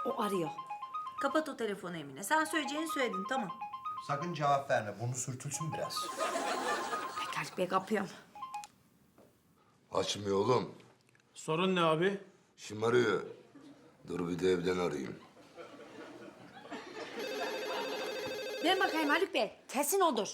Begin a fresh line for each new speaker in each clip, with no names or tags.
O arıyor. Kapat o telefonu Emine. Sen söyleyeceğini söyledin, tamam.
Sakın cevap verme. Bunu sürtülsün biraz.
Peki Haluk Bey, kapıyorum.
Açmıyor oğlum.
Sorun ne abi?
Şımarıyor. Dur bir de evden arayayım.
Ver bakayım Haluk Bey. Kesin odur.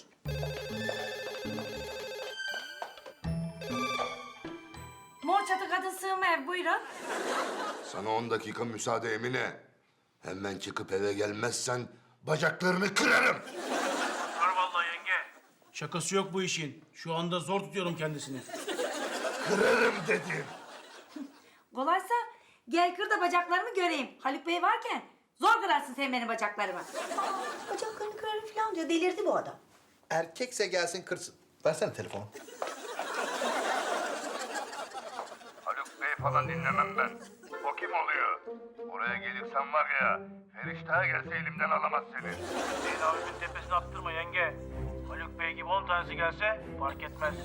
Mor çatı kadın sığınma ev, buyurun.
Sana 10 dakika müsaade Emine. Hemen çıkıp eve gelmezsen bacaklarını kırarım.
Var vallahi yenge. Şakası yok bu işin. Şu anda zor tutuyorum kendisini.
Kırarım dedim.
Kolaysa gel kır da bacaklarımı göreyim. Haluk Bey varken zor kırarsın sen benim bacaklarımı. Bacaklarını kırarım falan diyor. Delirdi bu adam.
Erkekse gelsin kırsın. Versene telefonu.
Haluk Bey falan dinlemem ben. O kim oluyor? Oraya gelirsen var ya, Feriştah gelse elimden alamaz seni.
Zeyn abimin tepesine attırma yenge. Haluk Bey gibi 10 tanesi gelse fark etmez.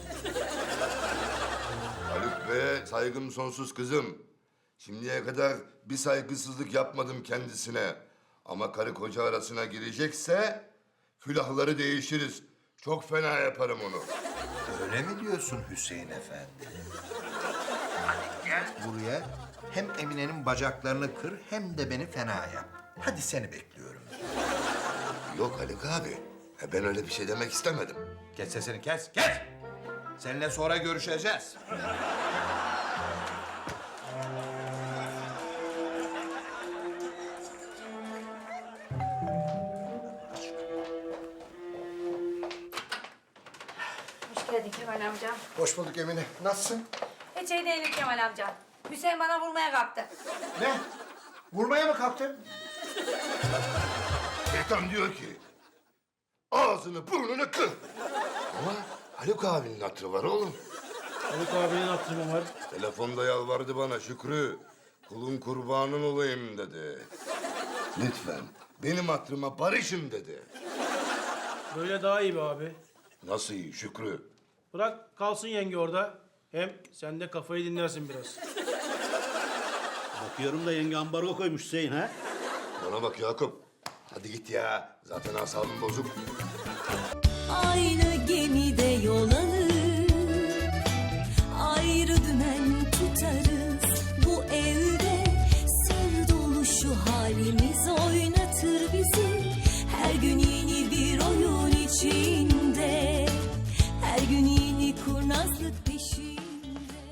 Haluk Bey'e saygım sonsuz kızım. Şimdiye kadar bir saygısızlık yapmadım kendisine. Ama karı koca arasına girecekse külahları değişiriz. Çok fena yaparım onu.
Öyle mi diyorsun Hüseyin Efendi? Hadi gel buraya. Hem Emine'nin bacaklarını kır hem de beni fena yap. Hadi seni bekliyorum.
Yok Haluk abi. Ben öyle bir şey demek istemedim.
Kes sesini kes, kes! Seninle sonra görüşeceğiz.
Hoş geldin Kemal amca.
Hoş bulduk Emine. Nasılsın?
Hiç iyi değilim Kemal amca. Hüseyin bana vurmaya kalktı.
Ne? Vurmaya mı kalktın?
Şeytan diyor ki ağzını burnunu kır. Ama Haluk abinin hatırı var oğlum.
Haluk abinin hatırı var.
Telefonda yalvardı bana Şükrü. Kulun kurbanın olayım dedi. Lütfen benim hatırıma barışın dedi.
Böyle daha iyi be abi.
Nasıl iyi Şükrü?
Bırak kalsın yenge orada. Hem sen de kafayı dinlersin biraz.
Bakıyorum da yenge ambargo koymuş Hüseyin ha.
Bana bak Yakup. Hadi git ya. Zaten asabım bozuk.
Aynı gemide